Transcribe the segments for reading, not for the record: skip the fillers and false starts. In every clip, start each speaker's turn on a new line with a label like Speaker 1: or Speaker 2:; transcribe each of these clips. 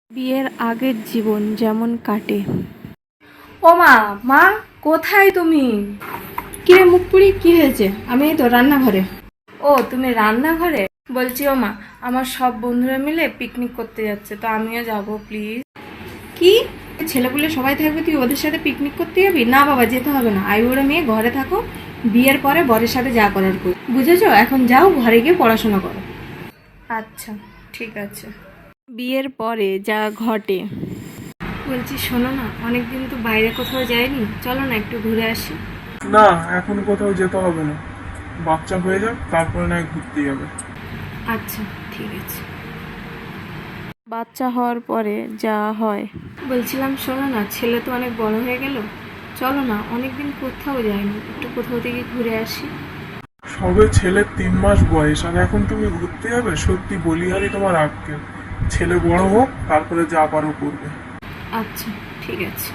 Speaker 1: বিয়ের আগের জীবন যেমন কাটে।
Speaker 2: ও মা, মা কোথায় তুমি?
Speaker 1: কি রে মুখপুরি, কি হয়েছে? আমি এই তো রান্নাঘরে।
Speaker 2: ও তুমি রান্নাঘরে? বলছি ও মা, আমার সব বন্ধুরা মিলে পিকনিক করতে যাচ্ছে, তো আমিও যাব প্লিজ।
Speaker 1: কি, ছেলেপুলে সবাই থাকবে, তুই ওদের সাথে পিকনিক করতে যাবি? না বাবা, যেতে হবে না। আইবুড়ো মেয়ে ঘরে থাকো, বিয়ের পরে বরের সাথে যা করার করি, বুঝেছো? এখন যাও, ঘরে গিয়ে পড়াশোনা করো।
Speaker 2: আচ্ছা ঠিক আছে।
Speaker 1: বিয়ের পরে যা ঘটে।
Speaker 2: বলছি শোনো না, অনেকদিন তো বাইরে কোথাও যাইনি, চলো না একটু ঘুরে আসি।
Speaker 3: না, এখন কোথাও যেতে হবে না। বাচ্চা হয়ে যাক, তারপরে না হয় ঘুরতে যাবে।
Speaker 2: আচ্ছা ঠিক আছে।
Speaker 1: বাচ্চা হওয়ার পরে যা হয়।
Speaker 2: বলছিলাম শোনো না, ছেলে তো অনেক বড় হয়ে গেল, চলো না, অনেকদিন কোথাও যাইনি, একটু কোথাও থেকে ঘুরে আসি।
Speaker 3: সবে ছেলের 3 মাস বয়স, আর এখন তুমি ঘুরতে যাবে? সত্যি বলিহারি তোমার আক্কেল। ছেলে বড় হোক, তারপরে যা পারো করবে।
Speaker 2: আচ্ছা ঠিক আছে।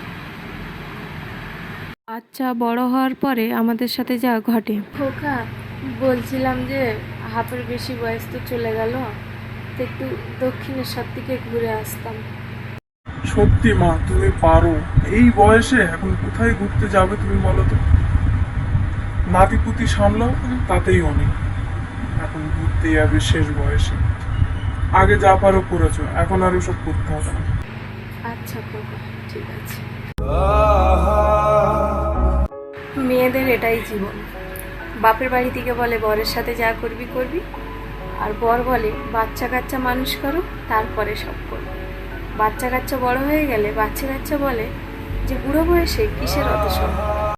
Speaker 1: বাচ্চা বড় হওয়ার পরে আমাদের সাথে যা ঘটে।
Speaker 2: খোকা, বলছিলাম যে হাফের বেশি বয়স তো চলে গেল, তো একটু দক্ষিণেশ্বর দিকে ঘুরে আসতাম।
Speaker 3: সত্যি মা, তুমি পারো। এই বয়সে এখন কোথায় ঘুরতে যাবে তুমি বলো তো? নাতিপুতি সামলাও, তাতেই অনেক। এখন ঘুরতে যাবে শেষ বয়সে। আগে যা পারো করেছো, এখন আর ওসব করতে হবে না।
Speaker 2: আচ্ছা খোকা, ঠিক আছে। মেয়েদের এটাই জীবন। বাপের বাড়ি থেকে বলে বরের সাথে যা করবি করবি, আর বর বলে বাচ্চা কাচ্চা মানুষ করো, তারপরে সব করবে। বাচ্চা কাচ্চা বড় হয়ে গেলে বাচ্চা কাচ্চা বলে যে বুড়ো বয়সে কিসের অত সব।